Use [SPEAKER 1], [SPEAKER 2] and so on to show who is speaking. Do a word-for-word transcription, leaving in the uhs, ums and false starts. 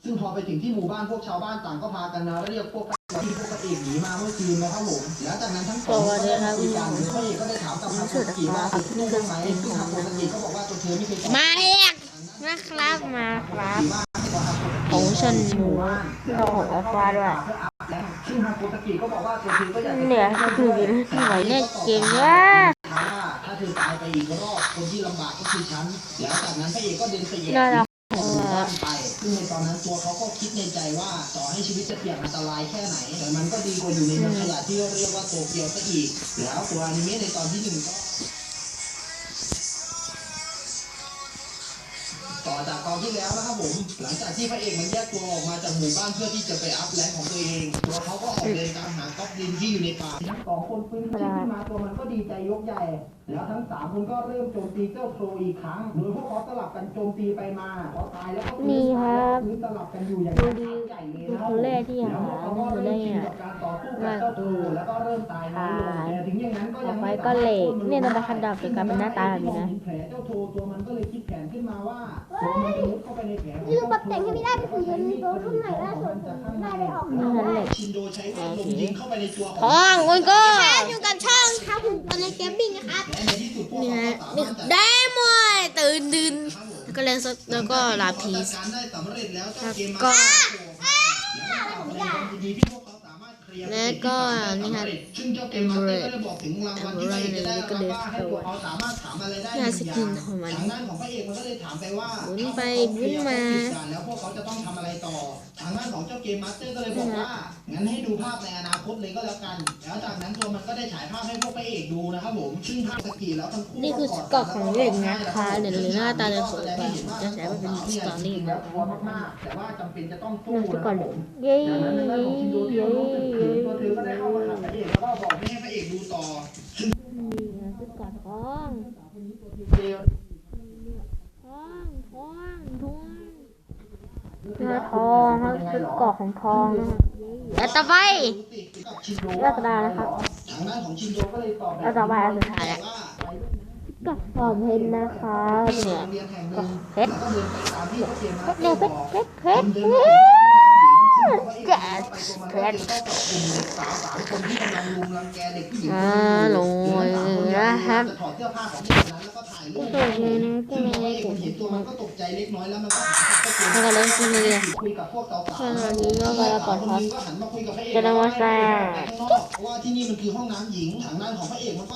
[SPEAKER 1] ซึ่งพอไปถึงที่หมู่บ้านพวกชาวบ้านต่างก็พากันนะเรียกพวกที่พวกพระเอกหนีมาเมื่อคืนนะครับผมแล้วจากนั้นทั้งสองก็ได้คุยกันพระเอกก็ได้ถามกับฮาโกสกิว่าลูกไหมซึ่งฮาโกสกิก็บอกว่าตัวเธอไม่เคย
[SPEAKER 2] มาเอกนะครับมาครับของฉันหมูเราของอัลฟาด้วยเนี่ยคือที่ไหวเนี่ยเก่งว่ะ
[SPEAKER 1] ถ้าเธอตายไปอีกรอบคนที่ลำบากก็คือฉันแล้วจากนั้นพระเอกก็เดินไปแย่บ้านไปซึ่งในตอนนั้นตัวเขาก็คิดในใจว่าต่อให้ชีวิตจะเสี่ยงอันตรายแค่ไหนแต่มันก็ดีกว่าอยู่ในเมืองขยะที่เรียกว่าโตเกียวซะอีกแล้วตัวอนิเมะในตอนที่หนึ่งก็ต่อจากตอนที่แล้วนะครับผมหลังจากที่พระเอกมันแยกตัวออกมาจากหมู่บ้านเพื่อที่จะไปอัพแรงของตัวเองตัวเขาก็ออกเดินตามหาก๊อบลินที่อยู่ในป่าทั้งสองคนฟื้นขึ้นมาตัวมันก็ดีใจยกใหญ่แล้วทั้งสามคนก็เริ่มโจมตีเจ้าโครอีกครั้งโดยพวกเขาสลับกันโจมตีไปมาพอตายแล้วก็ฟื้นฟื้นสลับกันอยู่อย่างใหญ่เลยนะครับแล้วเขาก็เริ่มชินกับการต่อสู้กับเจ้าโครแล้วก็เริ่มตายน้อยลงแต่ถึงอย่างนั้นก็ยังไม่ก็เหล็ก
[SPEAKER 2] เนี่ยเรามาคัดดอกเป็นการเป็นหน้าตาแบบนี้นะ
[SPEAKER 1] แผลเจ้าโครตัวมันก็เลยคิดแผนขึ้นมาว่า
[SPEAKER 3] นี่คือปรับแต่งให้ไม่ได้เป็นสีเหลืองโดนรุ่นใหม่ล่าสุดได้เลยออกมาได้
[SPEAKER 2] ทองคุณก็
[SPEAKER 3] อยู่กับช่องครับผมตอนในเกมบิ้งนะครับ
[SPEAKER 2] นี่ฮะนี่ได้หมดตื่นดื่นแล้วก็เลนส์แล้วก็ลาพีสแล้วก็แล้วก็นี่ฮะเอมเบรดเอมเบรดแล้วก็เดสโตนนี่ฮะสกินของมันบุ้นไปบุ้นมา
[SPEAKER 1] แล้วพวกเขาจะต้องทำอะไรต่อทางด้านของเจ้าเกมมาสเตอร์ก็เลยบอกว่างั้นให้ดูภาพในอนาคตเลยก็แล้วกันแล้วจากนั้นตัวมันก็ได้ฉายภาพให้พวกพระเอกดูนะครับผมซึ่งภาพสกีแล้วทั้งคู่
[SPEAKER 2] นี่คือเกาะของเด็กนะคะเนี่ยหรือหน้าตาจะสวยกว่าจะใช้มาเป็นสตอรี่
[SPEAKER 1] แล้วกลัวมากๆแต่ว่าจำเป็นจะต้องสู้
[SPEAKER 2] นะครับผมเย้เย้
[SPEAKER 1] ตัวเธอก็ได้เข้ามาหาพระเอกแล้วก็บอกไม่ให้พระเอกดูต่อ
[SPEAKER 2] นี่คือเกาะทองทองทองทองเนื้อทองเขาคือเกาะของทองแล้วต่อไปเลือกได้นะครับแล้วต่อไปอันสุดท้ายแล้วก็ฟอร์มเพชรนะคะเนี่ยก็เพชรเนี่ยเพชรเพชรเพชรแจ๊สเพชรอ่าลงนะครับก็ตัวนี้นะก็ไม่ได้เห็นตัวมันก็ตกใจเล็กน้อยแล้วมันก็แล้วก็เล่นขึ้นเลยขณะนี้ก็กำลังกดครับจะนำมาแซ่
[SPEAKER 1] เพราะว่าที่นี่มันคือห้องน้ำหญิงทางด้านของพระเอกมันก็